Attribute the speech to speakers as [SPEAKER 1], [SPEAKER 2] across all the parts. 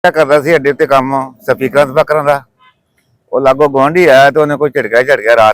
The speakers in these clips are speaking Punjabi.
[SPEAKER 1] करता सी अड्डे उत्ते काम स्पीकर स्पीकर का वो लागो गुआढ़ी आया तो उन्हें कोई झटका रात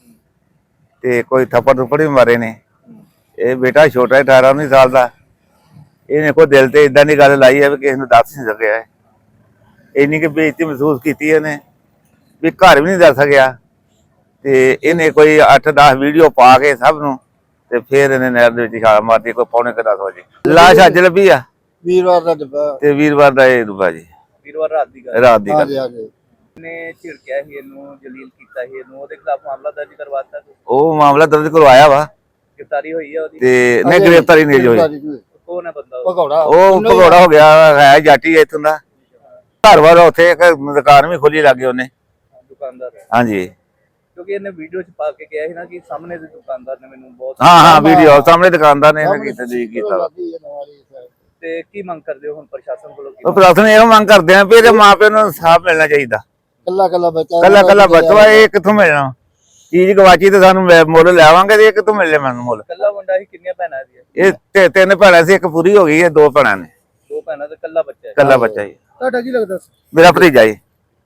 [SPEAKER 1] ते कोई थप्पड़ थुप्पड़ भी मारे ने। ये बेटा छोटा है 18-19 साल का, इन्हें कोई दिल से इदा की गल लाई है भी किसी को दस नहीं सकिया है। इन्नी की बेइज्जती महसूस की इन्हें भी घर भी नहीं दस सकिया ते इन्हें कोई 8-10 वीडियो पा के सब नूं ते फिर इन्हें नहर दे छाल मारती कोई पौने 10 बजे। लाश अज लभी आ
[SPEAKER 2] वीरवार का डब्बा
[SPEAKER 1] ते वीरवार का ये डुब्बा जी,
[SPEAKER 3] वीरवार रात दी गल।
[SPEAKER 1] रात की
[SPEAKER 2] हाँ
[SPEAKER 1] गल।
[SPEAKER 2] जी हाँ जी
[SPEAKER 3] ने झिड़किया ही इनू जलील कीता ही इनू ओदे खिलाफ मामला दर्ज करवाता
[SPEAKER 1] वो मामला दर्ज करवाया वा
[SPEAKER 3] गिरफ्तारी हुई है ओदी।
[SPEAKER 1] ते नहीं गिरफ्तारी नहीं होई।
[SPEAKER 3] कौन है बंदा वो?
[SPEAKER 2] भगौड़ा
[SPEAKER 1] ਉਹ ਭਗੌੜਾ ਹੋ ਗਿਆ ਹੈ ਜਾਟੀ ਹੈ ਇੱਥੋਂ ਦਾ। ਘਰ ਵਾਲਾ ਉੱਥੇ ਇੱਕ ਦੁਕਾਨ ਵੀ ਖੋਲੀ ਲੱਗੇ ਉਹਨੇ।
[SPEAKER 3] दुकानदार है
[SPEAKER 1] ਹਾਂਜੀ
[SPEAKER 3] क्योंकि इन्हें वीडियो च पा के गया ही ना कि सामने दे दुकानदार ने मैनू बहुत
[SPEAKER 1] ਹਾਂ ਵੀਡੀਓ ਸਾਹਮਣੇ ਦੁਕਾਨਦਾਰ ਨੇ ਇਹਨਾਂ ਕੀਤਾ ਜੀ ਕੀਤਾ ਵਾ।
[SPEAKER 3] ते की मंग करदे हो हुन प्रशासन कोलों
[SPEAKER 1] ਉਹ
[SPEAKER 3] की?
[SPEAKER 1] ਪ੍ਰਸ਼ਾਸਨ ਇਹੋ ਮੰਗ ਕਰਦੇ ਆ ਵੀ ਇਹਦੇ ਮਾਪਿਆਂ ਨੂੰ ਇਨਸਾਫ ਮਿਲਣਾ ਚਾਹੀਦਾ।
[SPEAKER 2] ਕੱਲਾ ਕੱਲਾ ਬੱਚਾ
[SPEAKER 1] ਕੱਲਾ ਕੱਲਾ ਬੱਚਾ ਇਹ ਕਿੱਥੋਂ ਮਿਲਣਾ? ਚੀਜ਼ ਗਵਾਚੀ ਤੇ ਸਾਨੂੰ ਮੁੱਲ ਲੈਵਾਂਗੇ ਤੇ ਇਹ ਕਿੱਥੋਂ ਮਿਲਣੇ ਮੈਨੂੰ ਮੁੱਲ?
[SPEAKER 3] कल्ला मुंडा ही कितनी भैनां दी?
[SPEAKER 1] ਇਹ ਤਿੰਨ ਭੈਣਾਂ ਸੀ, ਇੱਕ ਪੂਰੀ ਹੋ ਗਈ ਹੈ, ਦੋ ਭੈਣਾਂ ਨੇ,
[SPEAKER 3] दो भैनां ते कल्ला बच्चा है।
[SPEAKER 1] ਕੱਲਾ ਬੱਚਾ ਜੀ
[SPEAKER 2] ਤੁਹਾਡਾ ਕੀ ਲੱਗਦਾ
[SPEAKER 1] ਮੇਰਾ ਭਤੀਜਾ ਜੀ।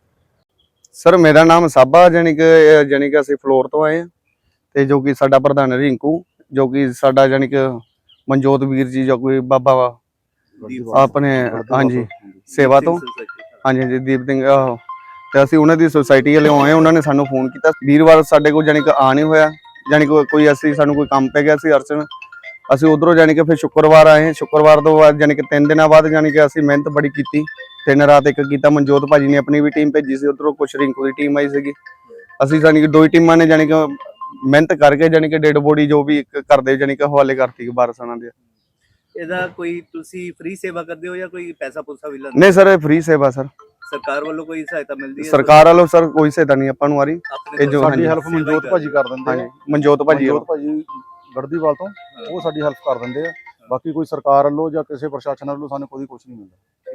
[SPEAKER 4] ਸਰ ਮੇਰਾ ਨਾਮ ਸਾਬਾ ਜਾਣੀ ਕਿ ਅਸੀਂ ਫਲੋਰ ਤੋਂ ਆਏ ਹਾਂ ਤੇ ਜੋ ਕਿ ਸਾਡਾ ਪ੍ਰਧਾਨ ਰਿੰਕੂ ਜੋ ਕਿ ਸਾਡਾ ਜਾਣੀ ਕਿ ਮਨਜੋਤ ਵੀਰ ਜੀ ਜੋ ਕੋਈ ਬਾਬਾ ਵਾ ਆਪਣੇ ਹਾਂਜੀ ਸੇਵਾ ਤੋਂ ਹਾਂਜੀ ਹਾਂਜੀ ਦੀਪ ਸਿੰਘ ਤੇ ਅਸੀਂ ਉਹਨਾਂ ਦੀ ਸੁਸਾਇਟੀ ਵਾਲੇ ਆਏ, ਉਹਨਾਂ ਨੇ ਸਾਨੂੰ ਫੋਨ ਕੀਤਾ ਵੀਰਵਾਰ ਸਾਡੇ ਕੋਲ ਜਾਣੀ ਕਿ ਆ ਨਹੀਂ ਹੋਇਆ, ਜਾਣੀ ਕੋਈ ਅਸੀਂ ਸਾਨੂੰ ਕੋਈ ਕੰਮ ਪੈ ਗਿਆ ਸੀ ਅਰਚਨ, ਅਸੀਂ ਉਧਰੋਂ ਜਾਣੀ ਕਿ ਫਿਰ ਸ਼ੁੱਕਰਵਾਰ ਆਏ। ਸ਼ੁੱਕਰਵਾਰ ਤੋਂ ਬਾਅਦ ਜਾਣੀ ਕਿ 3 ਦਿਨਾਂ ਬਾਅਦ ਜਾਣੀ ਕਿ ਅਸੀਂ ਮਿਹਨਤ ਬੜੀ ਕੀਤੀ, 3 ਰਾਤ ਇੱਕ ਕੀਤਾ। ਮਨਜੋਤ ਭਾਜੀ ਨੇ ਆਪਣੀ ਵੀ ਟੀਮ ਭੇਜੀ ਸੀ, ਉਧਰੋਂ ਕੁਛ ਰਿੰਕੂ ਦੀ ਟੀਮ ਆਈ ਸੀਗੀ। ਅਸੀਂ ਜਾਣੀ ਕਿ 2 ਹੀ ਟੀਮਾਂ ਨੇ ਜਾਣੀ ਕਿ ਮਿਹਨਤ ਕਰਕੇ ਜਾਣੀ ਕਿ ਡੈਡ ਬੋਡੀ ਜੋ ਵੀ ਕਰਦੇ ਜਾਣੀ ਕਿ ਹਵਾਲੇ ਕਰਤੀ ਵਾਰਸਾਂ ਦੇ।
[SPEAKER 3] ਇਹਦਾ ਕੋਈ ਤੁਸੀਂ ਫ੍ਰੀ ਸੇਵਾ ਕਰਦੇ ਹੋ ਜਾਂ ਕੋਈ ਪੈਸਾ ਪੂਸਾ ਵੀ ਲੈਂਦੇ?
[SPEAKER 4] ਨਹੀਂ ਸਰ ਇਹ ਫ੍ਰੀ ਸੇਵਾ ਸਰ,
[SPEAKER 3] ਸਰਕਾਰ ਵੱਲੋਂ ਕੋਈ ਸਹਾਇਤਾ ਮਿਲਦੀ ਹੈ?
[SPEAKER 4] ਸਰਕਾਰ ਵੱਲੋਂ ਸਰ ਕੋਈ ਸਹਾਇਤਾ ਨਹੀਂ ਆਪਾਂ ਨੂੰ ਆ ਰਹੀ।
[SPEAKER 3] ਆਪਣੇ
[SPEAKER 4] ਇਹ ਜੋ
[SPEAKER 3] ਕੋਲ
[SPEAKER 4] ਸਾਡੀ
[SPEAKER 5] ਹੈਲਪ ਮਨਜੋਤ ਭਾਜੀ ਕਰ ਦਿੰਦੇ ਆ।
[SPEAKER 4] ਹਾਂਜੀ ਮਨਜੋਤ ਭਾਜੀ
[SPEAKER 5] ਗੜਦੀਵਾਲ ਤੋਂ ਉਹ ਸਾਡੀ ਹੈਲਪ ਕਰ ਦਿੰਦੇ ਆ। ਬਾਕੀ ਕੋਈ ਸਰਕਾਰ ਵੱਲੋਂ ਜਾਂ ਕਿਸੇ ਪ੍ਰਸ਼ਾਸਨ ਵੱਲੋਂ ਸਾਨੂੰ ਕੋਈ ਕੁਝ ਨਹੀਂ ਮਿਲਦਾ।